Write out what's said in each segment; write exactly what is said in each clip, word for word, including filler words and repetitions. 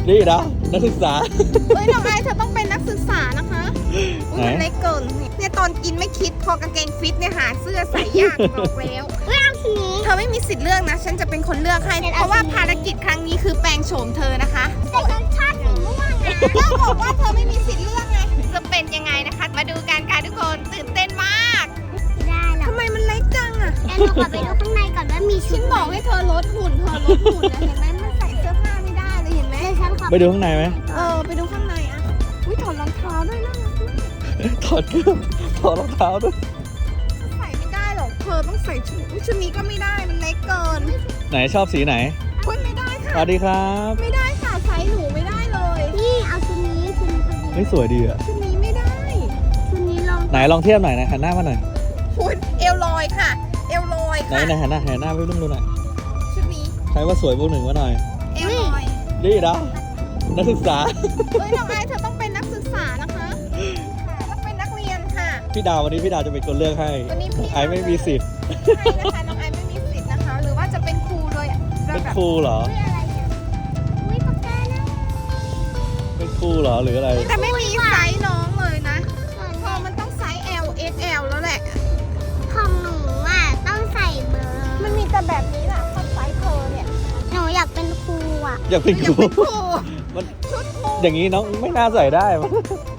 นี่นะนักศึกษาเฮ้ยน้องไอเธอต้องเป็นนักศึกษานะคะอุ้ยมันเล็กเกินเนี่ยตอนกินไม่คิดพอกางเกงฟิตเนี่ยหาเสื้อใส่ยากบอกแล้วเฮ้ยเอาสีนี้เธอไม่มีสิทธิ์เลือกนะฉันจะเป็นคนเลือกให้เพราะว่าภารกิจครั้งนี้คือแปลงโฉมเธอนะคะแต่ฉันชอบสีม่วงนะก็บอกว่าเธอไม่มีสิทธิ์เลือกไงจะเป็นยังไงนะคะมาดูกันค่ะทุกคนตื่นเต้นมากได้หรอทำไมมันเล็กจังอ่ะแอนดูก่อนไปดูข้างในก่อนว่ามีฉันบอกให้เธอลดหุ่นเธอลดหุ่นนะเห็นไหมมันใส่เสื้อผ้าไม่ได้เลยเห็นไหมไปดูข้างในไหมเออไปดูข้างในอ่ะอุ้ยถอดรองเท้าด้วยนะถอดเครื่องถอดรองเท้าด้วยใส่ไม่ได้หรอกเธอต้องใส่ชุดชุดนี้ก็ไม่ได้มันเล็กเกินไหนชอบสีไหนอุ้ยไม่ได้ค่ะสวัสดีครับไม่ได้ค่ะไซส์หนูไม่ได้เลยนี่เอาชุดนี้ชุดนี้พอดีไม่สวยดีอ่ะชุดนี้ไม่ได้ชุดนี้ลองไหนลองเทียบหน่อยนะหันหน้ามาหน่อยคุณเอวลอยค่ะเอวลอยไหนไหนหันหน้าหันหน้าไปรุ่มดูหน่อยชุดนี้ใครว่าสวยพวกหนึ่งวะหน่อยเอวลอยนี่นะนักศึกษาเฮ้ยน้องไอเธอต้องเป็นนักศึกษานะคะต้องเป็นนักเรียนค่ะพี่ดาววันนี้พี่ดาวจะเป็นคนเลือกให้วันนี้พี่ไอไม่มีสิทธิ์ใช่นะคะน้องไอไม่มีสิทธิ์นะคะหรือว่าจะเป็นครูโดยเป็นครูเหรออุ้ยปากกานะเป็นครูเหรอหรืออะไรแต่ไม่มีไซส์น้องเลยนะพอมันต้องไซส์ L เอ็กซ์ แอล แล้วแหละของหนูอ่ะต้องใส่เบอร์มันมีแต่แบบนี้แหละคนไซส์เธอเนี่ยหนูอยากเป็นครูอ่ะอยากเป็นครูมันอย่างนี้น้องไม่น่าใส่ได้มั้ง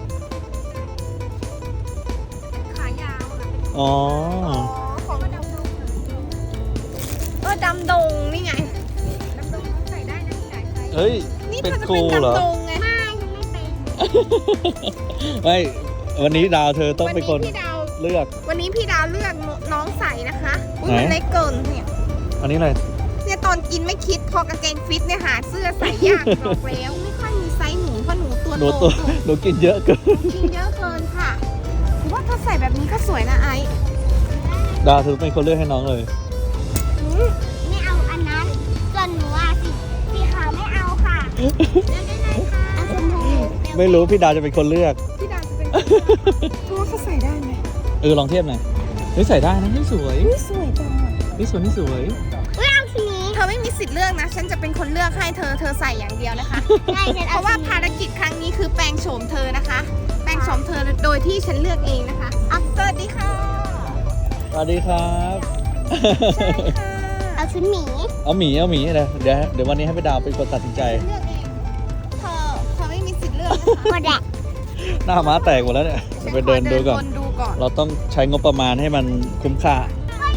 ขายาวนะอ๋อของดำดงเออดำดงนี่ไงดำดงใส่ได้นะที่ไหนใส่เฮ้ยเป็นครูเหรอไม่ฉันไม่เป็นไม่วันนี้ดาวเธอต้องเป็นคนเลือกวันนี้พี่ดาวเลือกน้องใส่นะคะอุ้ยมันเล็กเกินเนี่ยอันนี้อะไรเนี่ยตอนกินไม่คิดพอกางเกงฟิตเนี่ยหาเสื้อใส่ยากบอกแล้วไม่ค่อยมีไซส์หนูเพราะหนูตัวโตหนูหนูกินเยอะเกินกินเยอะเกินค่ะถือว่าถ้าใส่แบบนี้ก็สวยนะไอดาวเธอเป็นคนเลือกให้น้องเลยไม่เอาอันนั้นส่วนหนูอ่ะสีสีขาวไม่เอาค่ะเลือกได้เลยค่ะเอาชมพูไม่รู้พี่ดาวจะเป็นคนเลือกพี่ดาวจะเป็นเพราะว่าเขาใส่ได้ไหมเออลองเทียบหน่อยเฮ้ยใส่ได้นะนี่สวยนี่สวยจังนี่สวยนี่สวยเธอไม่มีสิทธิ์เลือกนะฉันจะเป็นคนเลือกให้เธอเธอใส่อย่างเดียวนะคะเพราะว่าภารกิจครั้งนี้คือแปลงโฉมเธอนะคะแปลงโฉมเธอโดยที่ฉันเลือกเองนะคะสวัสดีค่ะสวัสดีครับใช่ค่ะเอาชุดหมีเอาหมีเอาหมีเลยเดี๋ยวเดี๋ยววันนี้ให้พี่ดาวเป็นคนตัดสินใจเลือกเองเธอเธอไม่มีสิทธิ์เลือกนะคะหน้าม้าแตกหมดแล้วเนี่ยไปเดินดูก่อนเราต้องใช้งบประมาณให้มันคุ้มค่า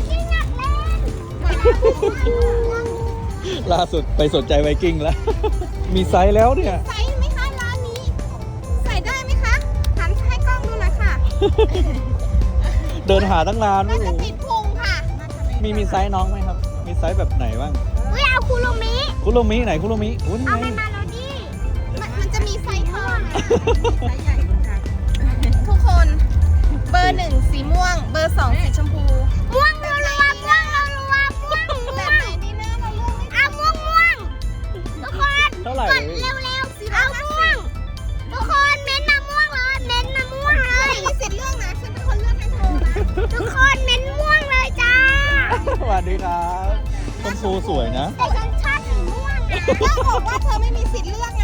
ล่าสุดไปสนใจไวกิ้งแล้วมีไซส์แล้วเนี่ยไซส์ไหมคะร้านนี้ใส่ได้ไหมคะหันให้กล้องดูหน่อยค่ะเดินหาตั้งนานน่าจะติดพุงค่ะมีมีไซส์น้องไหมครับมีไซส์แบบไหนบ้างอุ้ยเอาคุโรมิคุโรมิไหนคุโรมิอุ้ยเอาไปมาแล้วดิมันจะมีไซส์เท่าไหร่ไซส์ใหญ่ค่ะทุกคนเบอร์หนึ่งสีม่วงเบอร์สองสีชมพูม่วงรัวรัวม่วงรัวรัวม่วงแบบไหนดีนะเราเลือกไม่เอาม่วงม่วงทุกคนเท่าไหร่กดเร็วเร็วเอาม่วงทุกคนเม้นมาม่วงเลยเม้นมาม่วงเลยมีสิทธิ์เลือกนะฉันเป็นคนเลือกให้เธอนะทุกคนเม้นม่วงเลยจ้าสวัสดีครับชมพูสวยนะแต่ฉันชอบสีม่วงนะก็บอกว่าเธอไม่มีสิทธิ์เลือกไง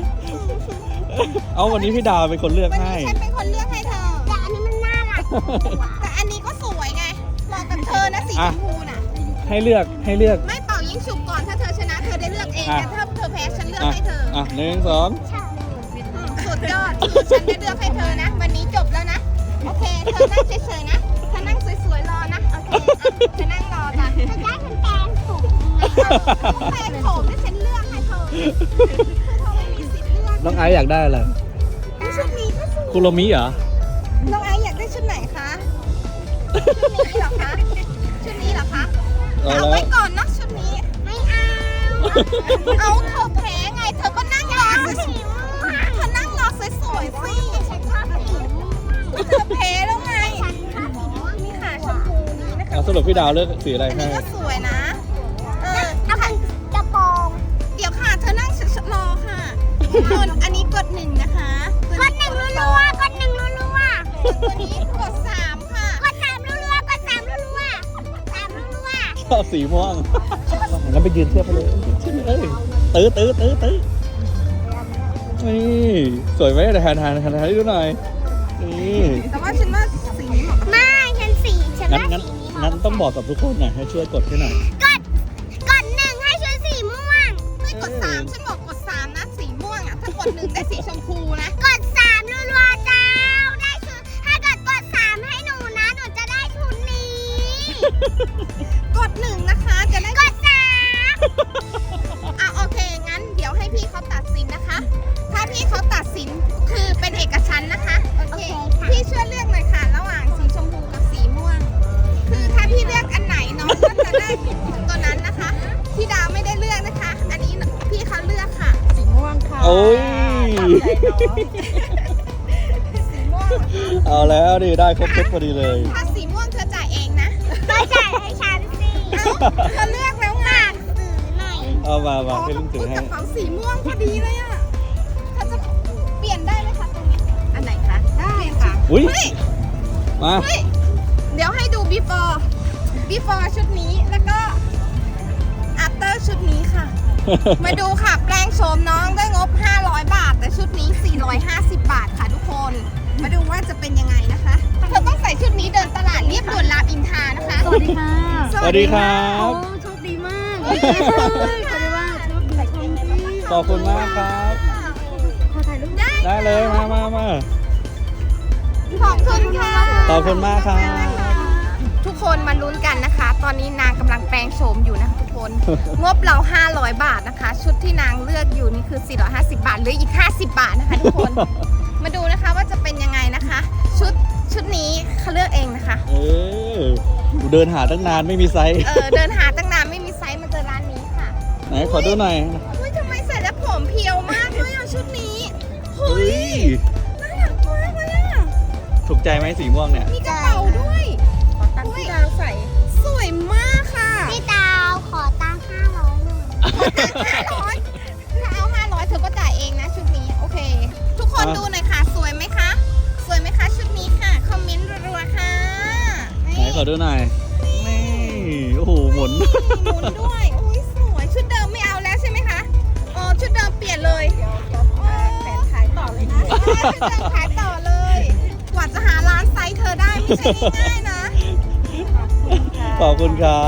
เอาวันนี้พี่ดาวเป็นคนเลือกให้วันนี้ฉันเป็นคนเลือกให้เธอแต่อันนี้มันน่ารักแต่อันนี้ก็สวยไงเหมาะกับเธอนะสีชมพูน่ะให้เลือกให้เลือกไม่เป่ายิงฉุบก่อนถ้าเธอชนะเธอได้เลือกเองแต่ถ้าเธอแพ้ฉันเลือกให้เธออ่ะหนึ่งสองสุดยอดคือฉันได้เลือกให้เธอนะวันนี้จบแล้วนะโอเคเธอนั่งเฉยๆนะเธอนั่งสวยๆรอนะโอเคเธอนั่งรอจ้ะเธอได้เป็นแปลงผมแปลงผมที่ฉันเลือกให้เธอเธอไม่มีสิทธิ์เลือกน้องไอซ์อยากได้อะไรชุดนี้ก็สวยคุโรมิเหรอน้องไอซ์อยากได้ชุดไหนคะชุดนี้เหรอคะชุดนี้เหรอคะเอาไว้ก่อนนะชุดนี้ไม่เอาเอาเธอแพ้ไงเธอก็นั่งรอสิเธอนั่งรอสวยๆสิฉันชอบสีม่วงเธอแพ้แล้วไงนี่ค่ะชมพูนี้นะคะสรุปพี่ดาวเลือกสีอะไรให้อันนี้ก็สวยนะเออเอาเป็นกระโปรงเดี๋ยวค่ะเธอนั่งรอค่ะอันนี้กดหนึ่งนะคะกดหนึ่งรัวๆกดหนึ่งรัวๆตัวนี้กดสามค่ะกดสามรัวๆกดสามรัวๆสามรัวๆชอบสีม่วงงั้นไปยืนเทียบไปเลยเอ้ยตื้อตื้อตื้อตื้อนี่สวยไหมเดี๋ยวหันหันหันหันให้ดูหน่อยนี่แต่ว่าฉันว่าสีนี้เหมาะกับไม่ฉันสีฉันงั้นว่างั้นสีนี้เหงั้มาะนต้องบอกกับทุกคนหน่อยให้ช่วยกดให้หน่อยกดกดหนึ่งให้ชุดสีม่วงเฮ้ยกดสามฉันบอกกดสามนะสีม่วงอ่ะถ้ากดหนึ่งได้สีชมพูนะกดสามรัวๆเจ้าได้ชุดถ้าเกิดกดสามให้หนูนะหนูจะได้ชุดนี้กดหนึ่งนะคะจะได้กดสามอ่ะโอเคงั้นเดี๋ยวให้พี่เขาตัดสินนะคะ ถ้าพี่เขาตัดสินคือเป็นเอกฉันท์นะคะโอเคพี่ช่วยเลือกหน่อยค่ะระหว่างสีชมพูกับสีม่วง คือถ้าพี่เลือกอันไหนน้องก็จะได้ตัวนั้นนะคะพี่ดาวไม่ได้เลือกนะคะ อันนี้พี่เขาเลือกค่ะสีม่วงค่ะโอ้ยสีม่วงเอาแล้วดิได้ครบเซตพอดีเลยถ้าสีม่วงเธอจ่ายเองนะก็จ่ายให้ฉันสิเอ้าเธอเลือกแล้วไงซื้อหน่อยเอามามาอ๋อให้ลุงถือให้กระเป๋าสีม่วงพอดีเลยอ่ะเธอจะเปลี่ยนได้ไหมคะตรงนี้อันไหนคะได้ค่ะอุ้ยเฮ้ยมาเฮ้ยเดี๋ยวให้ดู before before ชุดนี้แล้วก็ after ชุดนี้ค่ะ มาดูค่ะ แปลงโฉมน้องด้วยงบ ห้าร้อย บาท แต่ชุดนี้ สี่ร้อยห้าสิบ บาทค่ะทุกคน มาดูว่าจะเป็นยังไงนะคะเธอต้องใส่ชุดนี้เดินตลาดเรียบด่วนรามอินทรานะคะสวัสดีค่ะสวัสดีครับโอ้โชคดีมากขอบคุณมากโชคดีชมดีขอบคุณมากครับขอถ่ายรูปได้ได้เลยมามามาขอบคุณค่ะขอบคุณมากครับทุกคนมาลุ้นกันนะคะ ตอนนี้นางกำลังแปลงโฉมอยู่นะทุกคน งบเรา ห้าร้อย บาทนะคะ ชุดที่นางเลือกอยู่นี่คือ สี่ร้อยห้าสิบ บาทเหรืออีก ห้าสิบ บาทนะคะทุกคน มาดูนะคะว่าจะเป็นยังไงนะคะ ชุดชุดนี้เขาเลือกเองนะคะเออเดินหาตั้งนานไม่มีไซส์เออเดินหาตั้งนานไม่มีไซส์มาเจอร้านนี้ค่ะไหนขอดูหน่อยเฮ้ยทำไมใส่แล้วผมเพียวมากเลยอ่ะชุดนี้เฮ้เฮ้ยยน่ารักมากเลยอ่ะถูกใจไหมสีม่วงเนี่ยมีกระเป๋าด้วยขอตังค์ที่ดาวใส่สวยมากค่ะพี่ดาวขอตังค์ห้าร้อยหน่อยห้าร้อยถ้าเอาห้าร้อยเธอก็จ่ายเองนะชุดนี้โอเค ทุกคนอ่ะดูหน่อยค่ะ สวยไหมคะ สวยไหมคะชุดนี้ค่ะคอมเมนต์รัวๆค่ะไหนขอดูหน่อยนี่โอ้โหหมุนหมุนด้วยโอ้ยสวยชุดเดิมไม่เอาแล้วใช่ไหมคะอ๋อชุดเดิมเปลี่ยนเลยแฟนขายต่อเลยนะชุดเดิมขายต่อเลย กว่าจะหาร้านไซส์เธอได้ไม่ใช่ง่ายๆนะขอบคุณครับ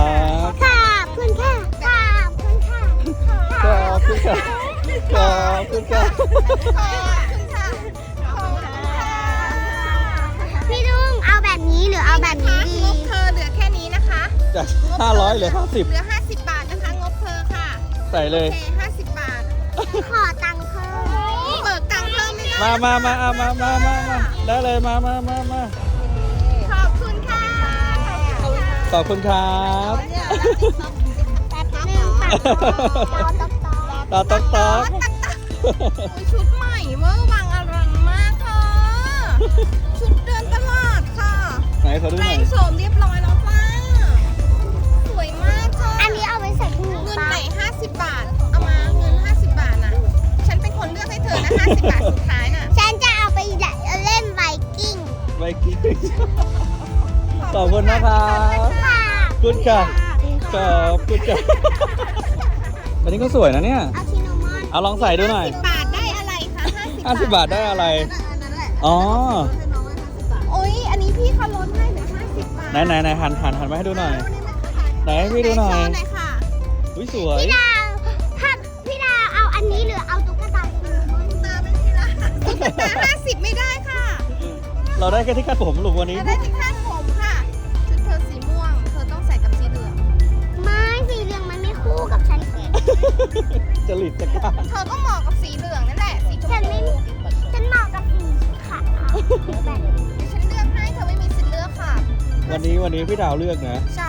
ขอบคุณค่ะขอบคุณค่ะขอบคุณครับขอบคุณครับขอบคุณค่ะขอบคุณค่ะพี่ลุงเอาแบบนี้หรือเอาแบบนี้ดีงบเธอเหลือแค่นี้นะคะจากห้าร้อยเหลือห้าสิบเหลือห้าสิบบาทนะคะงบเธอค่ะใส่เลยโอเคห้าสิบบาทขอตังค์เพิ่มเบิกตังค์เพิ่มไม่ได้มามามาเอามามามามาได้เลยมามามามาขอบคุณค่ะขอบคุณครับแป๊บนึงตัดต่อต่อต่อตอกตอกตอกโอ้ยชุดใหม่เวอร์วังอลังมากค่ะ ชุดเดินตลาดค่ะไหนขอดูแปหลน่อยงโฉมเรียบร้อยแล้วจ้าสวยมากค่ะอันนี้เอาไปใส่ถุงเงินปะไหนห้าสิบบาท เอามาเงินห้าสิบบาทน่ะ ฉันเป็นคนเลือกให้เธอนะห้าสิบบาทสุดท้ายน่ะฉันจะเอาไปเล่นไวกิ้งไว้กินขอบคุณนะครับค่ะคุณค่ะขอบคุณค่ะอันนี้ก็สวยนะเนี่ยเอาชิโนมอนเอาลองใส่ดูหน่อยสิบบาทได้อะไรคะห้าสิบห้าสิบบาทได้อะไร อ๋อโอ้ยอันนี้พี่เขาลดให้เหลือห้าสิบบาทไหนไหนไหนหันหันหันมาให้ดูหน่อย ไหนให้พี่ดูหน่อยโชว์หน่อยค่ะอุ้ยสวยพี่ดาวถ้าพี่ดาวเอาอันนี้หรือเอาตุ๊กตาชิโนมอนตาไม่มีละตุ๊กตาห้าสิบไม่ได้ค่ะเราได้แค่ที่คาดผมลูกวันนี้จะได้ที่คาดผมค่ะ ชุดเธอสีม่วง เธอต้องใส่กับสีเหลืองไม่สีเหลืองมันไม่คู่กับฉันสิจริตจักรานเธอก็เหมาะกับสีเหลืองนั่นแหละ สีชมฉันพูไม่ฉันเหมาะกับสีขาวแบบนี้เดี๋ยวฉันเลือกให้เธอไม่มีสิทธิ์เลือกค่ะวันนี้วันนี้พี่ดาวเลือกนะใช่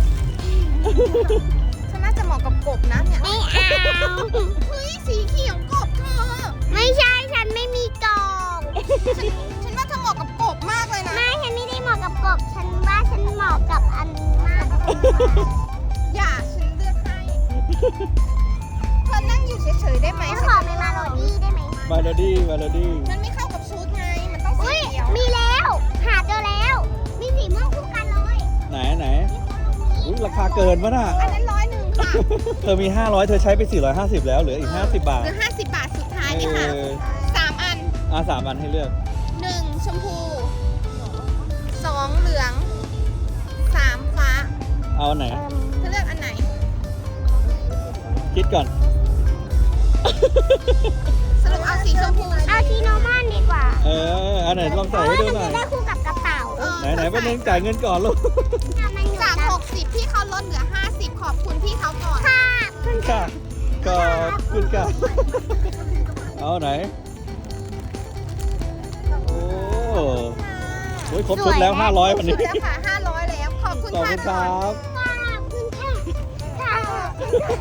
ฉันน่าจะเหมาะกับกบนะเนี่ยไม่เอาเฮ้ยสีเขียวกบเธอไม่ใช่ฉันไม่มีกรอบฉันฉันว่าเธอเหมาะกับกบมากเลยนะไม่ฉันไม่ได้เหมาะกับกบฉันว่าฉันเหมาะกับอันนี้มากกว่าอย่าฉันเลือกให้ เธอนั่งอยู่เฉยๆได้ไหมฉันขอเป็นมาโรดี้ได้ไหมมาโลดี้มาโลดี้มันไม่เข้ากับชุดไง มันต้องสีอุ้ยเขียวมีแล้ว หาเจอแล้ว มีสีม่วงคู่กันเลยไหนไหนอุ้ยราคาเกินวะน่ะอันนั้นร้อยหนึ่งค่ะเธอมีห้าร้อยเธอใช้ไปสี่ร้อยห้าสิบแล้วเหลืออีกห้าสิบบาทเหลือห้าสิบบาทสุดท้ายเอเนี่ยค่ะออ่ะสามอันให้เลือกหนึ่งชมพูสองเหลืองสามฟ้าเอาอันไหนเธอเลือกอันไหนคิดก่อนสรุปเอาสีชมพูเอาทีโนมอนดีกว่าเออ อันไหนลองใส่ให้ดูหน่อยจะได้คู่กับกระเป๋าเออไหนไหนๆไปนึงจ่ายเงินก่อนลูกมันอยู่จากนะหกสิบพี่เขาลดเหลือห้าสิบขอบคุณพี่เขาก่อนค่ะค่ะขอบคุณค่ะเอาไหน โอ้โหครบชุดแล้วห้าร้อยวันนี้ชุดแล้วค่ะห้าร้อยแล้ว ขอบคุณขอบค่ะคุณคก่อนรับขอบคุณค่ะ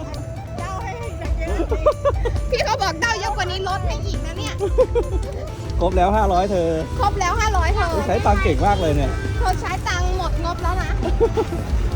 ค่ะพี่เขาบอกเด้าเยอะกว่านี้ลดให้อีกนะเนี่ยครบแล้วห้าร้อยเธอครบแล้วห้าร้อยเธอใช้ตังค์เก่งมากเลยเนี่ยเธอใช้ตังค์หมดงบแล้วนะ